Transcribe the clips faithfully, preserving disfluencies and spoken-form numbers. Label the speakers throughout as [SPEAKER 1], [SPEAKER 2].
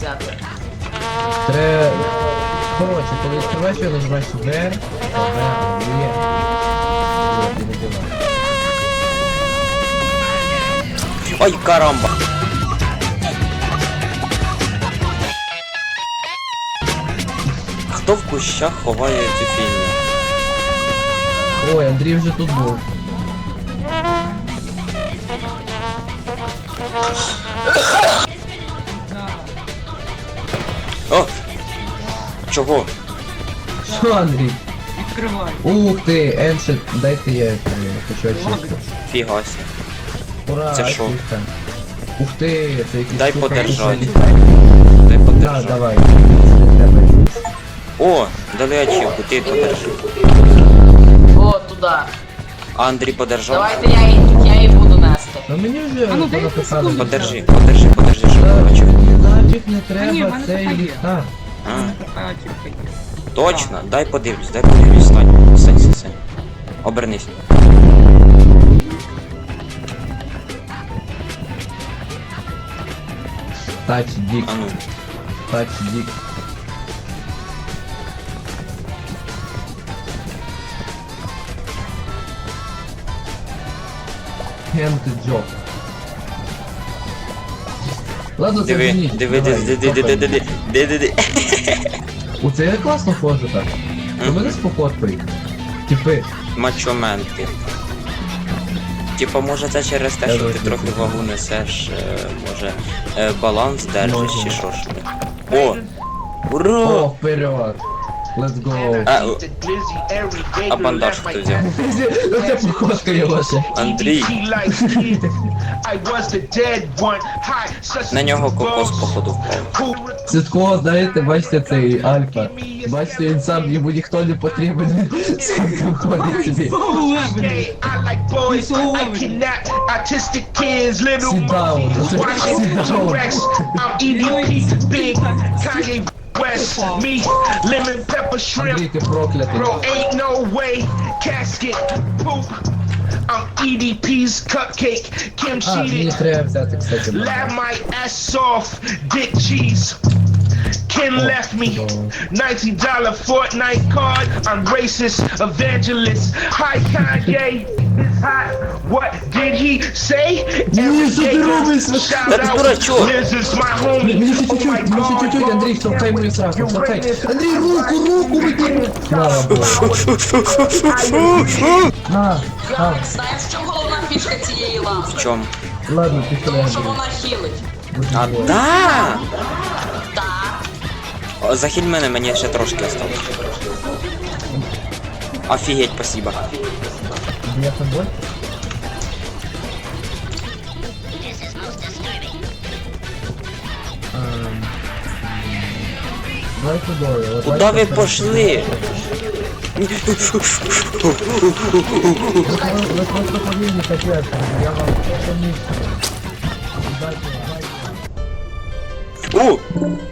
[SPEAKER 1] взяти.
[SPEAKER 2] Треба... Коротше, коли відкриваєш, я нажимаєш В, Е, Є. Вот, і вибиваєш.
[SPEAKER 3] Ой, карамба! Хто в кущах ховає цю фільму?
[SPEAKER 2] Ой, Андрій вже тут був.
[SPEAKER 3] О! Чого?
[SPEAKER 2] Що, Андрій?
[SPEAKER 4] Відкривай.
[SPEAKER 2] Ух ти, Еншет, дайте я е, хочу очистити.
[SPEAKER 3] Фігася.
[SPEAKER 2] Ура,
[SPEAKER 3] Це що?
[SPEAKER 2] очистка. Ух ти, це якийсь
[SPEAKER 3] Дай
[SPEAKER 2] штука,
[SPEAKER 3] подержать.
[SPEAKER 2] якийсь-
[SPEAKER 3] Дай
[SPEAKER 2] Да,
[SPEAKER 3] подержи.
[SPEAKER 2] давай. Не треба.
[SPEAKER 3] О, дали ачівку, ти подержи.
[SPEAKER 1] О, туди.
[SPEAKER 3] А Андрій подержав?
[SPEAKER 1] Давайте я її, я її буду нести.
[SPEAKER 2] Ну мені вже
[SPEAKER 4] А ну, дай
[SPEAKER 2] понаписали.
[SPEAKER 4] секунду.
[SPEAKER 3] Подержи, подержи, подержи, щоб
[SPEAKER 2] Та,
[SPEAKER 3] бачив.
[SPEAKER 2] мені нафіг не
[SPEAKER 4] Та ні, в
[SPEAKER 2] треба
[SPEAKER 4] мене
[SPEAKER 2] цей
[SPEAKER 4] така є.
[SPEAKER 2] ліхтар.
[SPEAKER 3] А,
[SPEAKER 4] Така тільки є.
[SPEAKER 3] точно, дай подивлюсь, дай подивлюсь, стань, стань, стань, стань. Обернись.
[SPEAKER 2] Тач дік,
[SPEAKER 3] А ну,
[SPEAKER 2] тач дік. Hand job. Ладно, це
[SPEAKER 3] диви,
[SPEAKER 2] зніч,
[SPEAKER 3] диви,
[SPEAKER 2] давай,
[SPEAKER 3] диви, диви, диви, диви, диви, диви.
[SPEAKER 2] Оце я класно ходжу так. У мене спокоткою. Типи.
[SPEAKER 3] Мачоменти. Типа, може це через те, що ти
[SPEAKER 2] Давай,
[SPEAKER 3] трохи
[SPEAKER 2] давай.
[SPEAKER 3] вагу несеш, е, може, е, баланс держиш чи що ж ти. О! Ура!
[SPEAKER 2] О, вперед. Let's go.
[SPEAKER 3] А, о, а бандаж хто взяв?
[SPEAKER 2] Ну це походка його ще.
[SPEAKER 3] Андрій. На нього кокос походу впав.
[SPEAKER 2] Це такого, знаєте, бачите цей Альфа. Бачите, він сам, йому ніхто не потрібен. Сам ходить собі. Sit down.
[SPEAKER 5] West, me, lemon pepper shrimp.
[SPEAKER 2] Андрій, ти проклятий.
[SPEAKER 5] Bro, ain't no way. Casket, poop. I'm E D P's cupcake. Kim
[SPEAKER 2] А, мені
[SPEAKER 5] cheated.
[SPEAKER 2] треба взяти, кстати.
[SPEAKER 5] Lab my ass off. Dick cheese. Ken left me. nineteen dollar Fortnite card. I'm racist, evangelist. Hi Kanye. It's hot. What did he say? Every
[SPEAKER 2] що ти
[SPEAKER 5] day,
[SPEAKER 2] робиш?
[SPEAKER 5] shout
[SPEAKER 3] Та ти
[SPEAKER 5] out.
[SPEAKER 3] дурачок.
[SPEAKER 5] Liz is my homie.
[SPEAKER 2] Мені ще
[SPEAKER 5] Oh my
[SPEAKER 2] чуть-чуть, мені ще
[SPEAKER 5] God,
[SPEAKER 2] чуть-чуть, Андрій,
[SPEAKER 5] God,
[SPEAKER 2] штовхай мою сраку,
[SPEAKER 5] you
[SPEAKER 2] штовхай.
[SPEAKER 5] racist.
[SPEAKER 2] Андрій, руку, руку, викинь. Слава Богу. А, а,
[SPEAKER 1] Ярик, знаєш, в чому головна фішка цієї лампи?
[SPEAKER 3] В чому?
[SPEAKER 2] ладно, пішли,
[SPEAKER 1] Тому що
[SPEAKER 2] Андрій.
[SPEAKER 1] вона хілить.
[SPEAKER 3] А,
[SPEAKER 2] Боже,
[SPEAKER 3] да!
[SPEAKER 1] Так.
[SPEAKER 3] О, захиль мене, мені ще трошки осталось. Офігеть, спасибо.
[SPEAKER 2] я тобой? Ем, Давай тудою. от
[SPEAKER 3] Куда
[SPEAKER 2] бачите,
[SPEAKER 3] ви
[SPEAKER 2] це-
[SPEAKER 3] пошли?
[SPEAKER 2] Ви ви просто повинні капець, я вам поміг. Дайте, дайте.
[SPEAKER 3] О!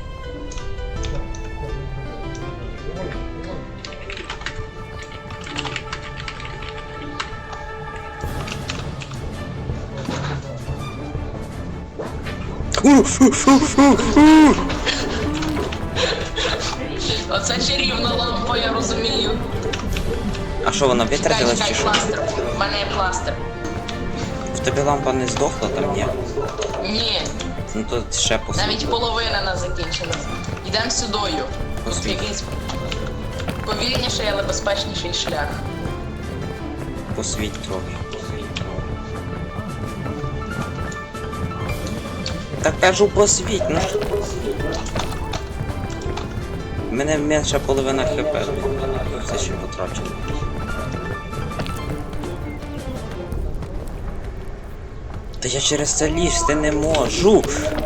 [SPEAKER 1] Оце чарівна лампа, я розумію.
[SPEAKER 3] А що, вона
[SPEAKER 1] Чекай,
[SPEAKER 3] витратилась
[SPEAKER 1] чекай,
[SPEAKER 3] чи що?
[SPEAKER 1] пластир. В мене є пластир.
[SPEAKER 3] В тебе лампа не здохла там, ні?
[SPEAKER 1] Ні,
[SPEAKER 3] Ну то ще посвіт.
[SPEAKER 1] навіть половина не закінчилась. Йдемо сюдою. Тут
[SPEAKER 3] Посвіт.
[SPEAKER 1] якийсь повільніший, але безпечніший шлях.
[SPEAKER 3] Посвіт трохи. Посвіт трохи. Та кажу посвіт, ну що? У мене менша половина хп, все ще потрачено. Та я через це лізти не можу.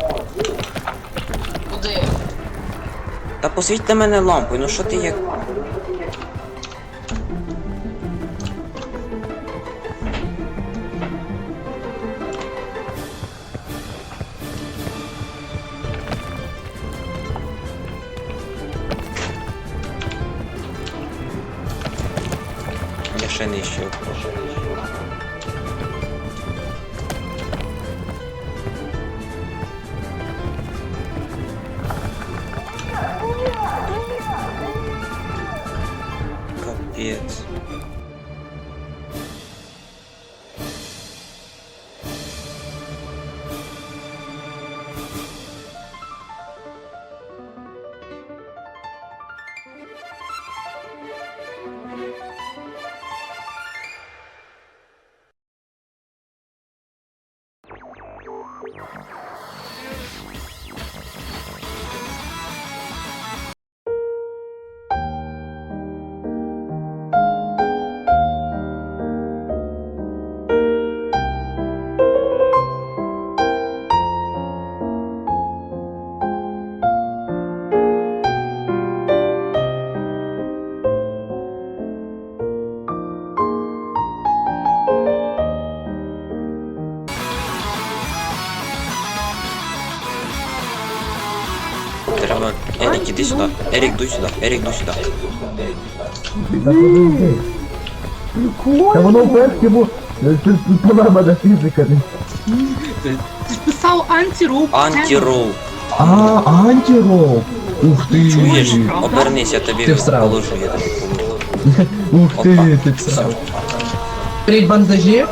[SPEAKER 1] Куди?
[SPEAKER 3] Та посвіть на мене лампою, ну що ти як... Я ще нижче вхожу. Капець. Треба... Ерік, іди сюди. Ерік, дуй сюди. Ерік, дуй сюди.
[SPEAKER 2] Та подожди. Та воно в першому... Це мене фізика.
[SPEAKER 4] Ти ж писав антироп.
[SPEAKER 3] Антирол.
[SPEAKER 2] А, антирол. Ух ти.
[SPEAKER 3] Чуєш? Обернись, я тобі
[SPEAKER 2] Ти всрав.
[SPEAKER 3] положу, я тобі положу.
[SPEAKER 2] Ух
[SPEAKER 3] Опа.
[SPEAKER 2] ти, ти всрав. Беріть бандажі.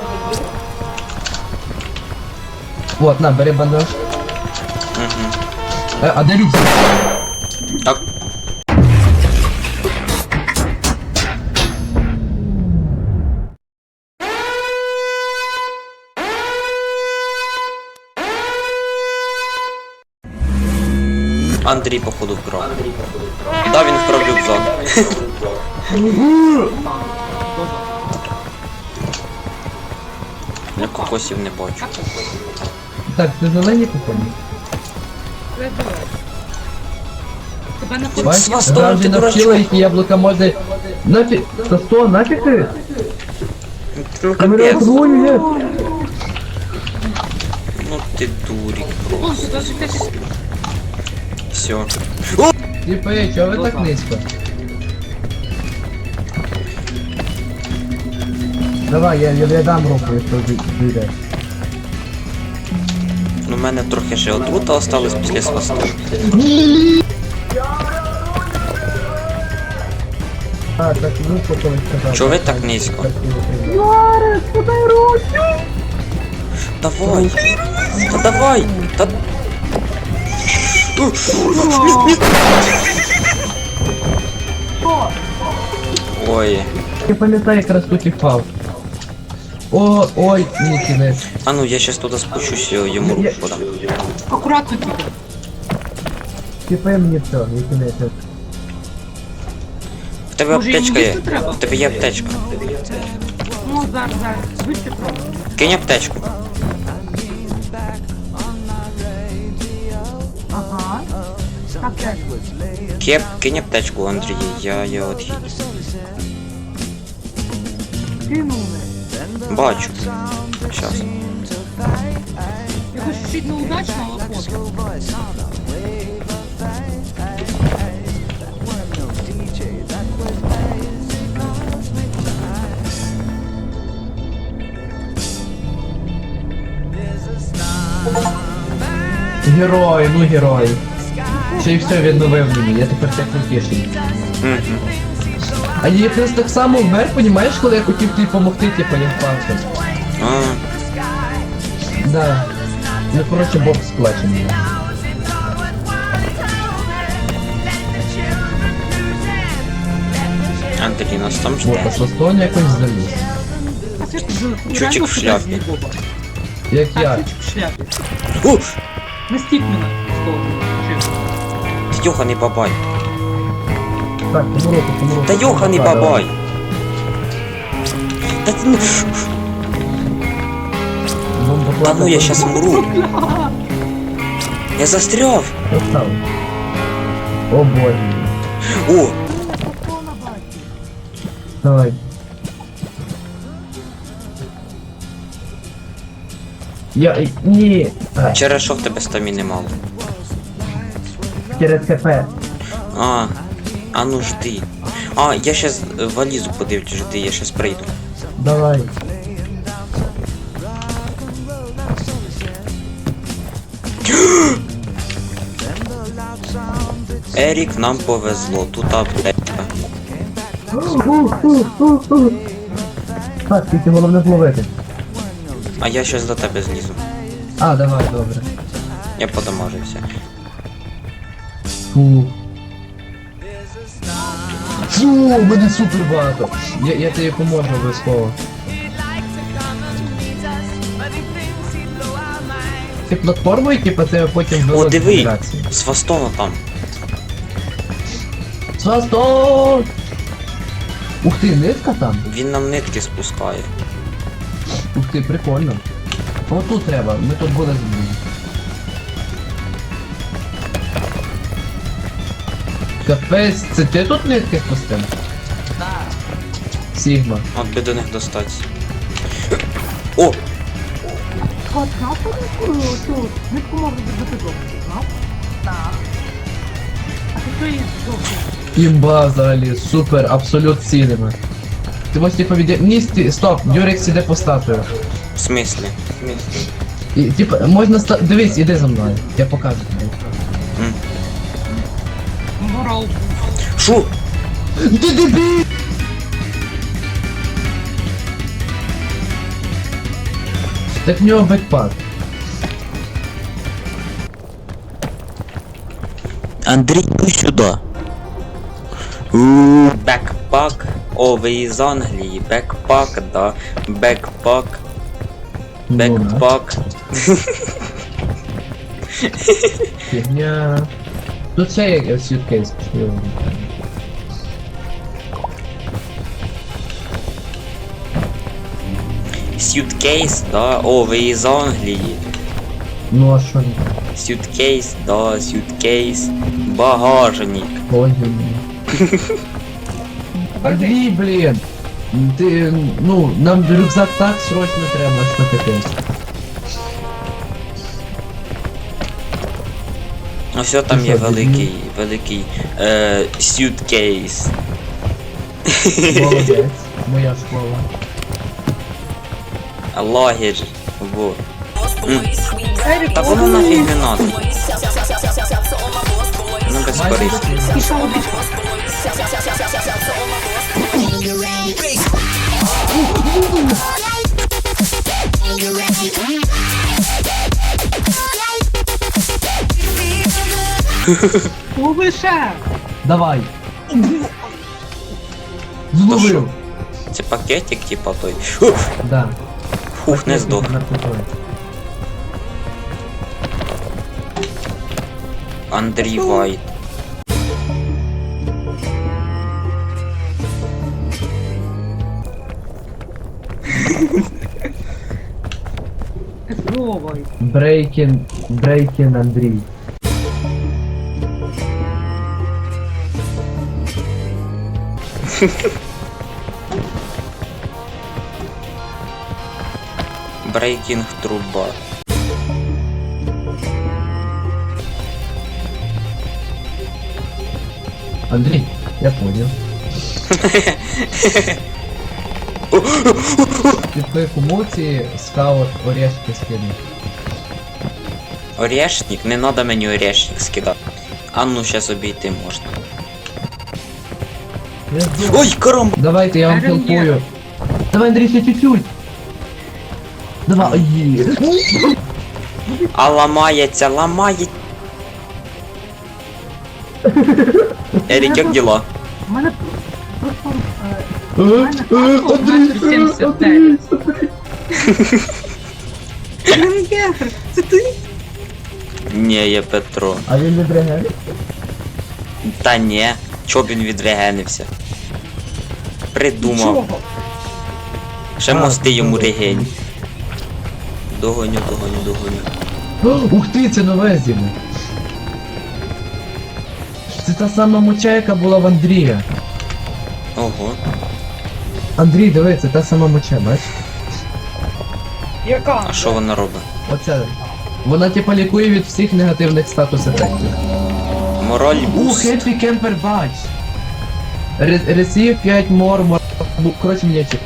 [SPEAKER 2] Вот, на, бери бандаж.
[SPEAKER 3] Угу.
[SPEAKER 2] Е, а де рюкзак?
[SPEAKER 3] Так. Андрій, походу, вкрав. Да, він вкрав рюкзак. Я кокосів не бачу.
[SPEAKER 2] Так, ти зелені купони?
[SPEAKER 4] Тебе не
[SPEAKER 2] Бачиш,
[SPEAKER 3] Свастон,
[SPEAKER 2] гравжі
[SPEAKER 3] ти
[SPEAKER 2] навчила
[SPEAKER 3] дурачок.
[SPEAKER 2] їх яблука можна... Нафіг... Та сто, нафіг ти?
[SPEAKER 3] Ну
[SPEAKER 2] Камера
[SPEAKER 3] капець.
[SPEAKER 2] двою є.
[SPEAKER 3] Ну ти дурик.
[SPEAKER 4] О, сюди ж якась...
[SPEAKER 3] Все.
[SPEAKER 2] Типи, чого ви так низько? Давай, я, я, я дам руку, якщо вийде.
[SPEAKER 3] Ну в мене трохи ще отрута осталась після свасту.
[SPEAKER 2] А, так руку колись сказав.
[SPEAKER 3] Чого ви так низько?
[SPEAKER 2] Ярик, подай руку!
[SPEAKER 3] Давай! Та давай! Та... Ой.
[SPEAKER 2] Я пам'ятаю, як раз тут і впав. О, ой, ні, кінець.
[SPEAKER 3] А ну я щас туди спущусь, йому руку подам.
[SPEAKER 4] Акуратно тільки.
[SPEAKER 2] Типи мені все, не кінець.
[SPEAKER 3] В тебе
[SPEAKER 4] Може, йому
[SPEAKER 3] аптечка є.
[SPEAKER 4] їсти треба?
[SPEAKER 3] В тебе є аптечка.
[SPEAKER 4] Ну, зараз, зараз. Звідти просто.
[SPEAKER 3] Кинь аптечку.
[SPEAKER 4] Ага. Так, так.
[SPEAKER 3] Кеп, кинь аптечку, Андрій, я, я от хі-
[SPEAKER 4] Кинули.
[SPEAKER 3] бачу. Щас.
[SPEAKER 4] Якось чуть неудачно, але фото.
[SPEAKER 2] Герой, ну герой. Ще й все відновив мені, я тепер так утішений.
[SPEAKER 3] Угу.
[SPEAKER 2] А я якраз так само вмер, понімаєш, коли я хотів тобі допомогти, типу, я впався.
[SPEAKER 3] А,
[SPEAKER 2] Да. Ну, коротше, Бог сплаче мене.
[SPEAKER 3] Андрій, нас там
[SPEAKER 2] Вот,
[SPEAKER 3] жде.
[SPEAKER 2] а Свастон якось заліз.
[SPEAKER 4] А це ж
[SPEAKER 3] Чучик
[SPEAKER 4] реально
[SPEAKER 3] в шляпі.
[SPEAKER 4] кудись Боба.
[SPEAKER 2] Як
[SPEAKER 4] А,
[SPEAKER 2] я.
[SPEAKER 4] чучик в шляпі.
[SPEAKER 3] У!
[SPEAKER 4] Не стік мене з того. Чим?
[SPEAKER 3] Ти йоханий бабай.
[SPEAKER 2] Так, помру, помру.
[SPEAKER 3] Та йоханий
[SPEAKER 2] Давай,
[SPEAKER 3] бабай. Та, ти ну-
[SPEAKER 2] Бомба
[SPEAKER 3] та ну я щас умру. Я застряв.
[SPEAKER 2] Постав. О боже.
[SPEAKER 3] О,
[SPEAKER 2] Давай. Я... Ні. А,
[SPEAKER 3] через що в тебе стаміни мало?
[SPEAKER 2] через ХП.
[SPEAKER 3] А, а ну жди. А, я щас е, валізу подивлюсь, жди, я щас прийду.
[SPEAKER 2] Давай.
[SPEAKER 3] Ерік, нам повезло, тут аптека.
[SPEAKER 2] Так, тільки головне зловити.
[SPEAKER 3] А я щас до тебе злізу.
[SPEAKER 2] А, давай, добре.
[SPEAKER 3] Я подамажився.
[SPEAKER 2] Фу. Фу, у мене супер багато. Я, я тобі поможу обов'язково. Ти платформою, типа, це потім
[SPEAKER 3] О,
[SPEAKER 2] вилазить
[SPEAKER 3] диви!
[SPEAKER 2] генерації.
[SPEAKER 3] Свастона там.
[SPEAKER 2] Свастон! Ух ти, нитка там?
[SPEAKER 3] Він нам нитки спускає.
[SPEAKER 2] Ух ти, прикольно. О, тут треба, ми тут були з. Капець, це ти тут нитки спустив?
[SPEAKER 1] Так.
[SPEAKER 2] Сігма.
[SPEAKER 3] От би до них достатися. О!
[SPEAKER 4] От, знав, що нитку, цю нитку можна зробити довше, знав?
[SPEAKER 1] Так.
[SPEAKER 4] А ти що її довше?
[SPEAKER 2] Імба взагалі, супер, абсолют ціними. Ти можеш типа від... Ні, сті... стоп, Юрик сіде по статую.
[SPEAKER 3] В смислі?
[SPEAKER 2] І, типа, можна ста... Дивись, іди за мною, я покажу тобі.
[SPEAKER 3] М.
[SPEAKER 4] Морал.
[SPEAKER 3] Шо?
[SPEAKER 2] Ти дебіль! Так в нього бекпак.
[SPEAKER 3] Андрій, сюди. Бекпак. О, ви із Англії. Бекпак, да. Бекпак.
[SPEAKER 2] Ну, да.
[SPEAKER 3] Бекпак.
[SPEAKER 2] Фігня. Тут ще є сюткейс.
[SPEAKER 3] Сюткейс, да. О, ви із Англії.
[SPEAKER 2] Ну а що не?
[SPEAKER 3] Сюткейс, да, сюткейс. Багажник.
[SPEAKER 2] Ой, блін. Андрій, блін. Ти, ну, нам рюкзак так срочно треба, що капець.
[SPEAKER 3] Ну все, там
[SPEAKER 2] Ти
[SPEAKER 3] є
[SPEAKER 2] що,
[SPEAKER 3] великий, великий е, сюткейс.
[SPEAKER 2] Молодець, моя школа.
[SPEAKER 3] Лагерь. Во. М. Та воно нафіг не надо. Ну безкорисно.
[SPEAKER 4] Пішов обічка. Лови ще!
[SPEAKER 2] Давай.
[SPEAKER 3] То що?
[SPEAKER 2] Зловив.
[SPEAKER 3] Це пакетик, типа той. Уф,
[SPEAKER 2] Да.
[SPEAKER 3] Фух, не здох.
[SPEAKER 2] Наркотой.
[SPEAKER 3] Андрій Вайт.
[SPEAKER 4] Зловай.
[SPEAKER 2] Брейкін, Брейкін Андрій.
[SPEAKER 3] Брейкінг труба.
[SPEAKER 2] Андрій, я понял. Ти твої комуці скаут орешки скинув.
[SPEAKER 3] Орешник? Не надо мені орешник скидати. А ну щас обійти можна.
[SPEAKER 2] Я здох.
[SPEAKER 3] Ой, карам!
[SPEAKER 2] Давайте, я вам
[SPEAKER 4] Арен є.
[SPEAKER 2] хелпую. Давай, Андрій, ще чуть-чуть. Давай, ой.
[SPEAKER 3] А ламається, ламається. Ерік, як діла?
[SPEAKER 4] У мене просто... е,
[SPEAKER 2] Е, е, Андрій, е,
[SPEAKER 4] сімдесят
[SPEAKER 2] Андрій.
[SPEAKER 4] Прем'єр, це ти?
[SPEAKER 3] Ні, я Петро.
[SPEAKER 2] А він не брегає?
[SPEAKER 3] Та ні, чо б він відрегенився? Придумав.
[SPEAKER 4] Чого?
[SPEAKER 3] Ще
[SPEAKER 2] А,
[SPEAKER 3] мости йому
[SPEAKER 2] добре.
[SPEAKER 3] регень. Догоню, догоню, догоню.
[SPEAKER 2] О, ух ти, це нове зім'я. Це та сама моча, яка була в Андрія.
[SPEAKER 3] Ого.
[SPEAKER 2] Андрій, диви, це та сама моча, бач?
[SPEAKER 4] Яка?
[SPEAKER 3] А що вона робить?
[SPEAKER 2] Оце. Вона типа лікує від всіх негативних статус ефектів.
[SPEAKER 3] Мораль
[SPEAKER 2] Ух,
[SPEAKER 3] буст.
[SPEAKER 2] Хеппі Кемпер бач. Ресів п'ять мор, мор... Ну, коротше, м'ячик.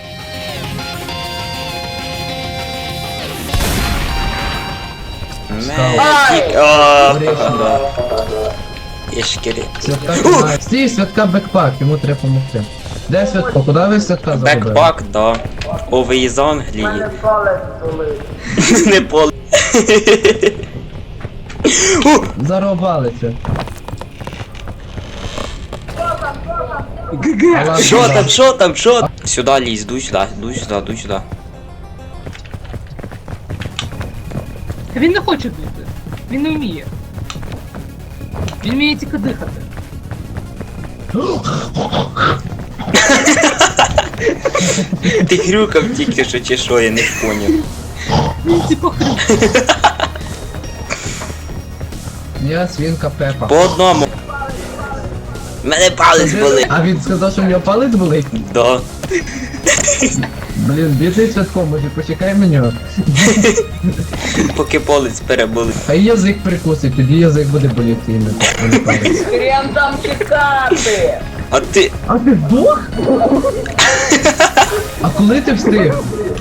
[SPEAKER 3] Медик. О, да. Ішкері.
[SPEAKER 2] Святка тримає. Стій, святка бекпак, йому треба допомогти. Де святко? Куди ви святка забули?
[SPEAKER 3] Бекпак, да. О, ви із Англії. Не поле.
[SPEAKER 2] Зарубалися.
[SPEAKER 3] Що там, що там, що там? Сюди лізь, дуй сюди, дуй сюди, дуй сюди.
[SPEAKER 4] Він не хоче бути. Він не вміє. Він вміє тільки дихати.
[SPEAKER 3] Ти хрюкав тільки що чи що, я не поняв.
[SPEAKER 4] Він типу хрюк.
[SPEAKER 2] Я свинка Пепа.
[SPEAKER 3] По одному. Мене палець болить.
[SPEAKER 2] А він сказав, що в нього палець болить?
[SPEAKER 3] Да.
[SPEAKER 2] Блін, бідний святко, може почекай мене.
[SPEAKER 3] Поки палець переболить.
[SPEAKER 2] Хай язик прикусить, тоді язик буде боліти іменно. а не палець.
[SPEAKER 1] Хрен там чекати!
[SPEAKER 3] А ти.
[SPEAKER 2] А ти здох? А коли ти встиг?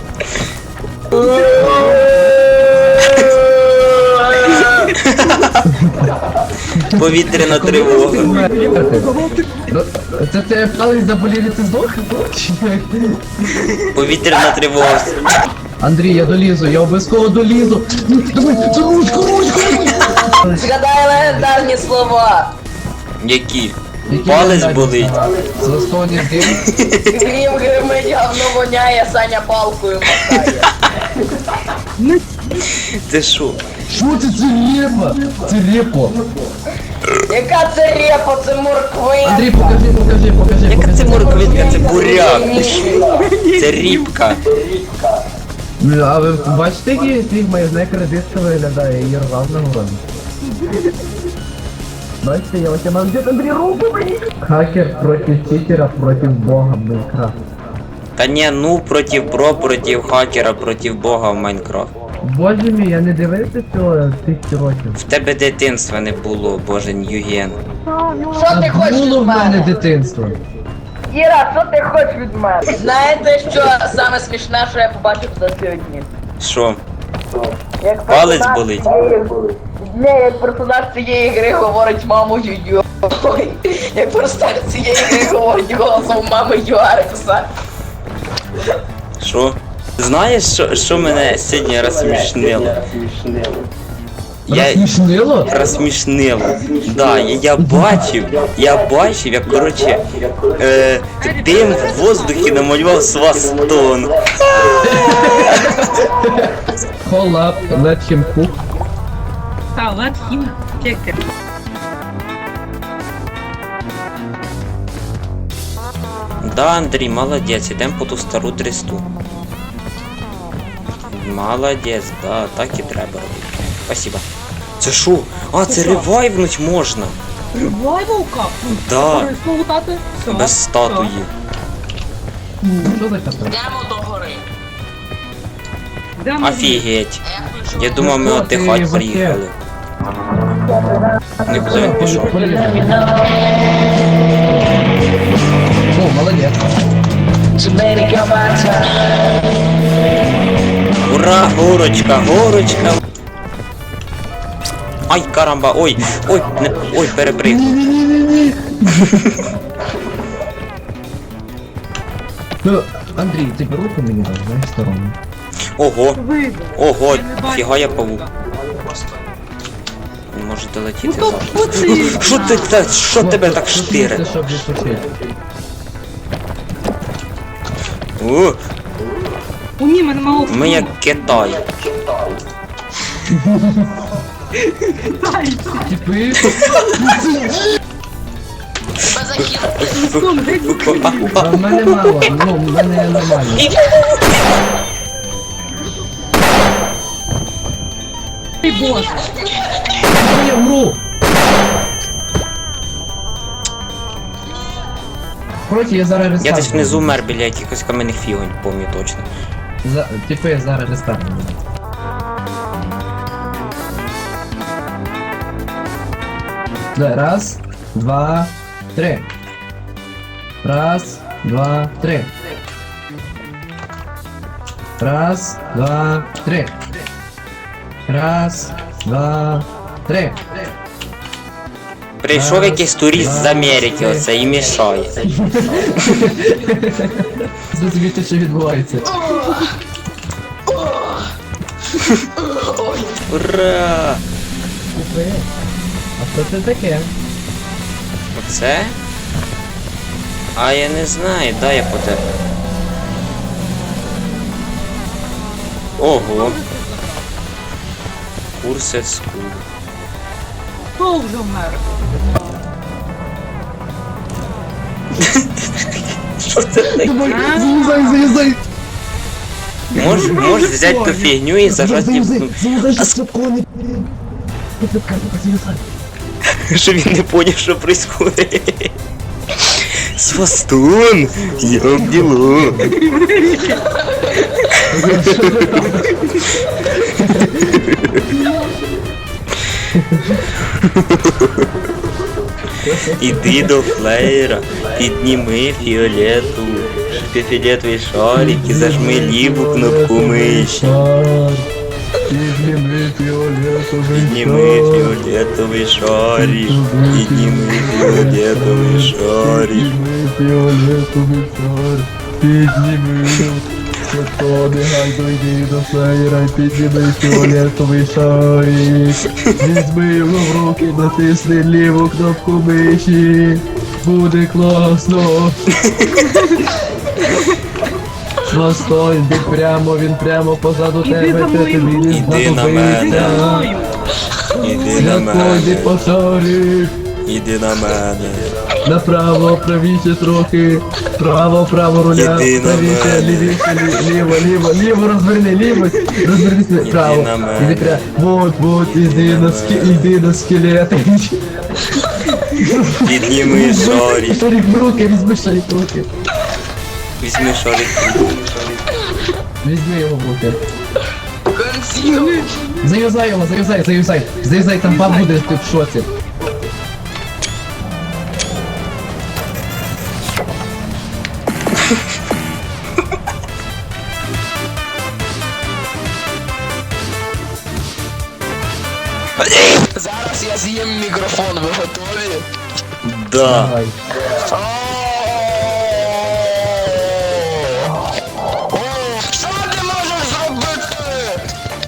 [SPEAKER 3] Повітряна тривога.
[SPEAKER 2] Ну, це тебе палець заболів і ти здох? Чи як?
[SPEAKER 3] Повітряна тривога.
[SPEAKER 2] Андрій, я долізу, я обов'язково долізу. Ну, давай, це ручку, ручку!
[SPEAKER 1] Згадай легендарні слова!
[SPEAKER 3] Які?
[SPEAKER 2] Які
[SPEAKER 3] Палець
[SPEAKER 2] легендарні
[SPEAKER 3] болить.
[SPEAKER 2] слова? Застоні дим.
[SPEAKER 1] Грім гримить, говно воняє, Саня палкою махає.
[SPEAKER 3] Ти що?
[SPEAKER 2] Що це, це репа? Це репо.
[SPEAKER 1] Яка це репа, це морквина!
[SPEAKER 2] Андрій, покажи, покажи, покажи.
[SPEAKER 3] Яка
[SPEAKER 2] покажи.
[SPEAKER 3] це морквинка, це буряк. Це рібка.
[SPEAKER 2] Бля, а ви бачите, який твій майонез кредитка виглядає і рвав на городі? Бачите, я ось мав где-то Андрій руку, блін. Хакер проти читера проти бога Майнкрафт.
[SPEAKER 3] Та ні, ну проти про, проти хакера, проти бога в Майнкрафт.
[SPEAKER 2] Боже мій, я не дивився цього тисячі років.
[SPEAKER 3] В тебе дитинства не було, боже Ньюген.
[SPEAKER 1] Що ти хочеш
[SPEAKER 2] Було
[SPEAKER 1] від
[SPEAKER 2] в мене
[SPEAKER 1] мене?
[SPEAKER 2] дитинство.
[SPEAKER 1] Іра, що ти хочеш від мене? Знаєте, що саме смішне, що я побачив за сьогодні?
[SPEAKER 3] Що?
[SPEAKER 1] Як
[SPEAKER 3] Палець
[SPEAKER 1] персонаж
[SPEAKER 3] болить.
[SPEAKER 1] цієї- Ні, як персонаж цієї гри говорить маму Юю. Ой, як персонаж цієї гри говорить голосом мами Юарекса.
[SPEAKER 3] Що? Знаєш, що, що мене сьогодні розсмішнило? Я...
[SPEAKER 2] Розсмішнило?
[SPEAKER 3] Розсмішнило. Да, я, я бачив, я бачив, як, короче, е, дим в воздухі намалював свастон.
[SPEAKER 2] Call up, let him cook.
[SPEAKER 4] Та, let him take it.
[SPEAKER 3] Да, Андрій, молодець, ідем по ту стару дресту. Молодець, да, так і треба робити. Спасибо. Це що? А, це ревайвнуть можна.
[SPEAKER 4] Ревайвалка?
[SPEAKER 3] Да.
[SPEAKER 4] Корисно лутати? Все.
[SPEAKER 3] Без статуї.
[SPEAKER 2] Що за капець?
[SPEAKER 1] Йдемо до гори.
[SPEAKER 4] Де ми?
[SPEAKER 3] Офігеть.
[SPEAKER 1] А я включу.
[SPEAKER 3] Я думав, ми
[SPEAKER 2] Ну, що
[SPEAKER 3] отдихати
[SPEAKER 2] ти,
[SPEAKER 3] приїхали. Нікуди він пішов.
[SPEAKER 2] О, молодець.
[SPEAKER 3] Ура, горочка, горочка. Ай, карамба, ой, ой, не, ой, перепригнув.
[SPEAKER 2] Ну, Андрій, ти руку мені даш, знаєш, сторону.
[SPEAKER 3] Ого,
[SPEAKER 4] Вийде.
[SPEAKER 3] ого,
[SPEAKER 4] Я не бачу.
[SPEAKER 3] фіга я павук. Не можете
[SPEAKER 4] Ну
[SPEAKER 3] летіти
[SPEAKER 4] то
[SPEAKER 3] зараз.
[SPEAKER 4] оці.
[SPEAKER 3] Що ти так, що тебе так
[SPEAKER 2] Це
[SPEAKER 3] штире?
[SPEAKER 2] щоб відпочити.
[SPEAKER 3] О,
[SPEAKER 4] У ні, мене мало.
[SPEAKER 3] ми як Китай.
[SPEAKER 2] Типи.
[SPEAKER 1] Тебе захилити.
[SPEAKER 4] Сон, геть.
[SPEAKER 2] А в мене мало, ну, в мене нормально.
[SPEAKER 4] Ти бос.
[SPEAKER 2] Я вмру! Короче, я зараз рестарт.
[SPEAKER 3] Я десь внизу мер біля якихось кам'яних фігонь, помню точно.
[SPEAKER 2] За... Типу я зараз рестарт буду. Да, раз, два, три. Раз, два, три. Раз, два, три. Раз, два, три.
[SPEAKER 3] прийшов якийсь турист з Америки оце і мішає.
[SPEAKER 2] Зрозуміти, що відбувається.
[SPEAKER 1] Ой,
[SPEAKER 3] Ура!
[SPEAKER 2] Купи. А що це таке?
[SPEAKER 3] Оце? А я не знаю, дай я поте. Ого. Курсет скул.
[SPEAKER 4] Хто вже вмер?
[SPEAKER 3] Що це таке?
[SPEAKER 4] А?
[SPEAKER 2] Залізай, залізай!
[SPEAKER 3] Можеш мож взяти ту фігню і зажати їм.
[SPEAKER 2] Залізай, що це кони.
[SPEAKER 3] Що він не поняв, що происходить. Свастун! Як діло? Іди до флеєра, підніми фіолету, фіолетовий шарик і зажми ліву кнопку миші.
[SPEAKER 2] Підніми фіолетовий
[SPEAKER 3] Підніми фіолетовий шарик, підніми фіолетовий шарик.
[SPEAKER 2] Підніми фіолетовий шарик. Підніми. Хто негай дойди до флеєра і підніми фіолетовий шарик. Візьми його в руки, натисни ліву кнопку миші. Буде класно. Свастой, йди прямо, він прямо позаду
[SPEAKER 4] Іди
[SPEAKER 2] тебе,
[SPEAKER 4] за
[SPEAKER 2] ти
[SPEAKER 4] мною.
[SPEAKER 2] тобі не
[SPEAKER 3] Іди на мене.
[SPEAKER 4] Іди за мною.
[SPEAKER 3] Іди на
[SPEAKER 2] Святой, йди
[SPEAKER 3] мене,
[SPEAKER 2] по шарик.
[SPEAKER 3] іди на мене.
[SPEAKER 2] Направо, правіше трохи. Право, право руля.
[SPEAKER 3] Іди на
[SPEAKER 2] Правіше,
[SPEAKER 3] мене.
[SPEAKER 2] лівіше, лі- ліво, ліво, ліво, розверни, ліво. Розвернись право.
[SPEAKER 3] на мене.
[SPEAKER 2] Іди прямо. Вот, вот, іди
[SPEAKER 3] на
[SPEAKER 2] на скі,
[SPEAKER 3] мене.
[SPEAKER 2] іди на скелети.
[SPEAKER 3] Підніми шарик.
[SPEAKER 2] Шарик в руки, візьми шарик в руки.
[SPEAKER 3] Візьми шарик.
[SPEAKER 2] Візьми його в руки.
[SPEAKER 1] консил.
[SPEAKER 2] Зав'язай його, зав'язай, зав'язай. Зав'язай, там баб буде, ти в шоці.
[SPEAKER 1] Зараз я з'їм мікрофон, ви готові?
[SPEAKER 3] Да.
[SPEAKER 2] Давай.
[SPEAKER 1] Що ти можеш зробити?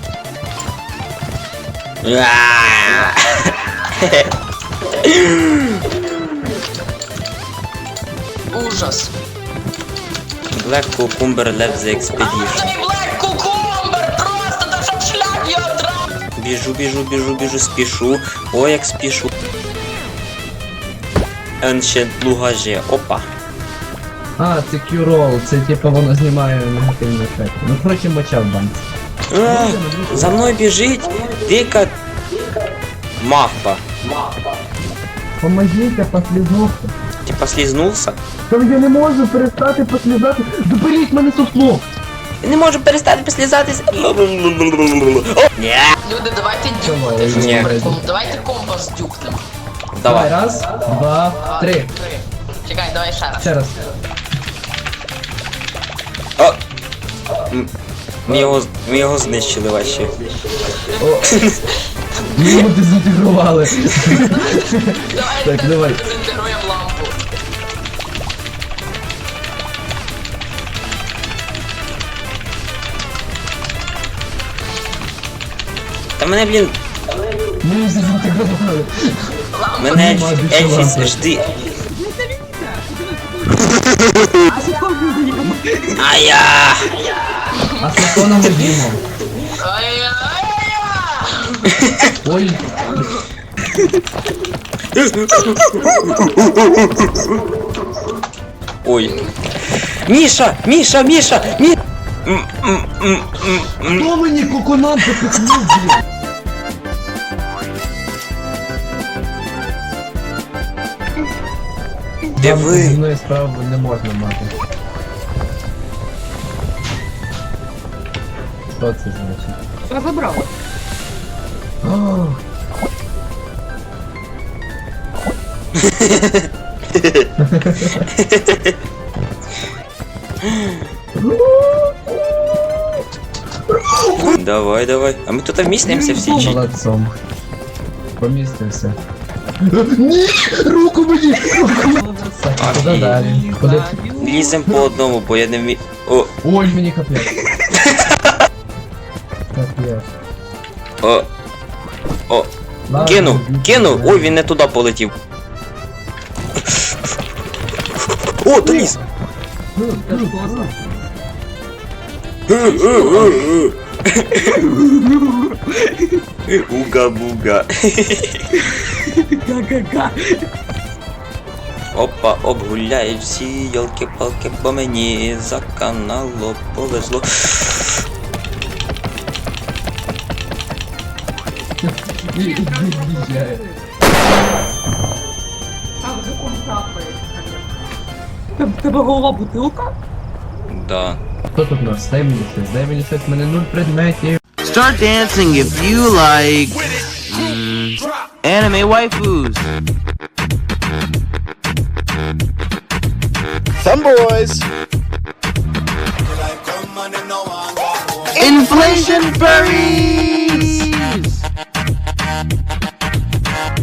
[SPEAKER 1] Ужас.
[SPEAKER 3] Black Cucumber left the expedition.
[SPEAKER 1] Цей Black Cucumber просто та щоб шлях його драв.
[SPEAKER 3] Біжу, біжу, біжу, біжу, спішу. Ой, як спішу. Ancient Lugage. Опа.
[SPEAKER 2] А, це Q-Roll, це типу воно знімає негативний ефект. Ну, коротше, моча в банці.
[SPEAKER 3] А, за мною біжить дика мавпа.
[SPEAKER 2] Помогите, послізнувся.
[SPEAKER 3] Ти послизнувся?
[SPEAKER 2] Там я не можу перестати послізати. Доберіть мене сусло.
[SPEAKER 3] Не можу перестати послізатися. О, ні.
[SPEAKER 1] Люди, давайте
[SPEAKER 2] Давай,
[SPEAKER 1] дюкнути. щось
[SPEAKER 3] ні.
[SPEAKER 1] придумаємо. Давайте компас дюкнемо.
[SPEAKER 2] Давай,
[SPEAKER 3] Давай.
[SPEAKER 2] раз, два, три.
[SPEAKER 1] Чекай, давай ще раз.
[SPEAKER 2] Ще раз.
[SPEAKER 3] О. М, Ми його, з- ми його знищили ваші.
[SPEAKER 2] О. Ми його дезінтегрували.
[SPEAKER 1] Давай,
[SPEAKER 2] Так, давай.
[SPEAKER 1] дезінтегруємо лампу.
[SPEAKER 3] Та мене, блін,
[SPEAKER 2] Ми його дезінтегрували.
[SPEAKER 3] мене
[SPEAKER 2] Нема більше
[SPEAKER 3] Ельфіс,
[SPEAKER 2] лампи.
[SPEAKER 3] жди.
[SPEAKER 4] А секунду не помогли.
[SPEAKER 3] А я.
[SPEAKER 2] А сусло нам одімо.
[SPEAKER 1] Ай-яй-яй!
[SPEAKER 2] Ой.
[SPEAKER 3] Ой. Міша! Міша! Міша! Мі... М, м, м, м, м.
[SPEAKER 2] Хто мені коконат запихнув, блін?
[SPEAKER 3] Де
[SPEAKER 2] Вам
[SPEAKER 3] ви?
[SPEAKER 2] зі мною справу не можна мати. Що це значить?
[SPEAKER 4] Що забрав?
[SPEAKER 2] О,
[SPEAKER 3] Давай, давай. А ми тут вмістимося всі чи?
[SPEAKER 2] молодцом. Помістився. Ні! Руку мені! Руку мені! Так, куди далі? Куди?
[SPEAKER 3] Лізем по одному, бо я не вмію. О,
[SPEAKER 2] Ой, мені капець. Капець.
[SPEAKER 3] о, о.
[SPEAKER 2] Ладно,
[SPEAKER 3] Кинув,
[SPEAKER 2] йдіть
[SPEAKER 3] кинув!
[SPEAKER 2] сюди.
[SPEAKER 3] Ой, він не туди полетів. О, доліз!
[SPEAKER 4] Це ж класно.
[SPEAKER 3] Уга-буга. Опа, обгуляють всі йолки-палки, бо мені за каналу повезло.
[SPEAKER 2] І- і- і- від'їжджає.
[SPEAKER 4] Тебе- Тебе голова бутилка?
[SPEAKER 3] Да.
[SPEAKER 2] Хто тут у нас? Дай мені щось, дай мені щось, в мене нуль предметів.
[SPEAKER 6] Start dancing if you like mm, anime waifus.
[SPEAKER 7] Some boys.
[SPEAKER 6] Inflation furry.